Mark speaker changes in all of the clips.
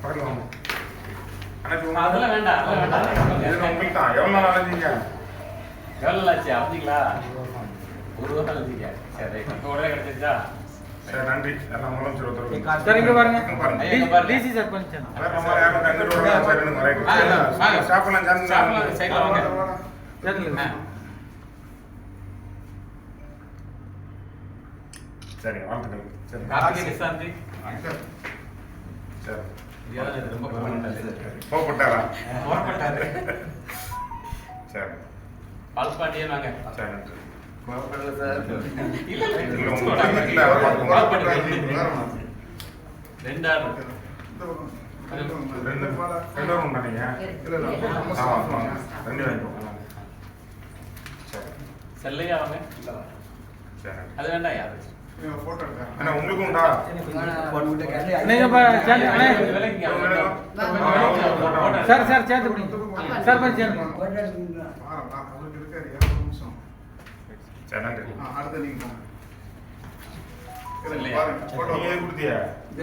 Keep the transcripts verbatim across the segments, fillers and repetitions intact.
Speaker 1: பக்கத்தில் வாங்க. ஆனால்
Speaker 2: அதெல்லாம் வேண்டாம் அதெல்லாம் வேண்டாம்.
Speaker 1: இதில் உங்களுக்கு தான் எவ்வளோ நாள் அலைஞ்சிங்க?
Speaker 2: எவ்வளோ நாள் ஆச்சு அப்படிங்களா? ஒரு வாரம் அலைஞ்சிங்க. சரி இப்போ உடனே கிடைச்சிருச்சா?
Speaker 1: சரி நன்றி. எல்லாம் முதலமைச்சர் ஒருத்தர்
Speaker 3: சார் இங்க பாருங்க.
Speaker 2: பாருங்க.
Speaker 3: டிசி சார் கொஞ்சம்
Speaker 1: வேற நம்ம யாரும் தங்கிட்டு வரலாம். சரி ரெண்டு ரைட்.
Speaker 2: வாங்க.
Speaker 1: சாப்பிடலாம் சேர்ந்து
Speaker 2: சாப்பிடலாம் சைக்கிள் வாங்க.
Speaker 3: சரிங்க.
Speaker 1: சரி வாழ்த்துக்கள். சரி
Speaker 2: கார்த்திகை நிசாந்தி.
Speaker 1: சரி
Speaker 2: இது ரொம்ப கவனிட்டாரு.
Speaker 1: கோவப்பட்டாரா?
Speaker 2: கோவப்பட்டாரு.
Speaker 1: சரி
Speaker 2: பால்பாட்டியே வாங்க.
Speaker 1: சரி நன்றி.
Speaker 2: இல்ல இல்ல
Speaker 1: இல்லை உங்களுக்கு இல்லை அவர் பார்த்துக்கோங்க.
Speaker 2: ரெண்டு ஆள்
Speaker 1: ரெண்டு ரெண்டு பேரும் உண்டானீங்க. ஆமாம் வாங்க ரெண்டு வாங்கிக்கோங்க. சரி
Speaker 2: செல்லையா வாங்க.
Speaker 1: சரி
Speaker 2: அது வேண்டாம் யாரு
Speaker 1: அண்ணா உங்களுக்கும் உண்டா?
Speaker 3: நீங்க சேர்ந்து அண்ணே
Speaker 2: விலைக்கு
Speaker 3: சார் சார் சேர்ந்து பிடிங்க. சார் கொஞ்சம் சேர்ந்து
Speaker 1: சரி நன்றி.
Speaker 4: அடுத்த
Speaker 2: இல்லையா?
Speaker 1: நீங்க எது கொடுத்தீங்க?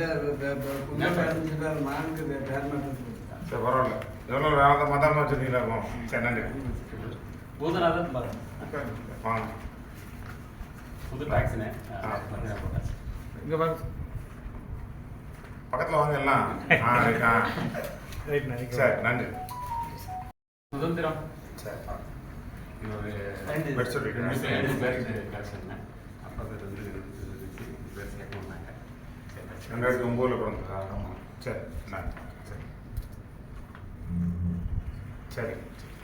Speaker 1: சரி பரவாயில்ல. எவ்வளோ வேலை மதாமல் வச்சுருக்கீங்களா இருக்கும். சரி நன்றி.
Speaker 2: பூதநாதன் பாருங்க.
Speaker 1: வாங்க.
Speaker 2: புது டாக்ஸினே
Speaker 3: இங்க பாருங்க.
Speaker 1: பக்கத்தில் வாங்க எல்லாம். ஆ ரைட்டா. சரி நன்றி.
Speaker 2: சுதந்திரம்
Speaker 1: சரி
Speaker 2: ஒரு
Speaker 1: பெட் சொல்லிக்கிறேன்.
Speaker 2: ரெண்டு பேருக்கு கலெக்ஷன் அப்போ பேர் வந்து பேர் சேர்க்கணுன்னாங்க.
Speaker 1: ரெண்டாயிரத்தி ஒம்போதில் பிறந்ததா? ஆமாம். சரி நன்றி. சரி சரி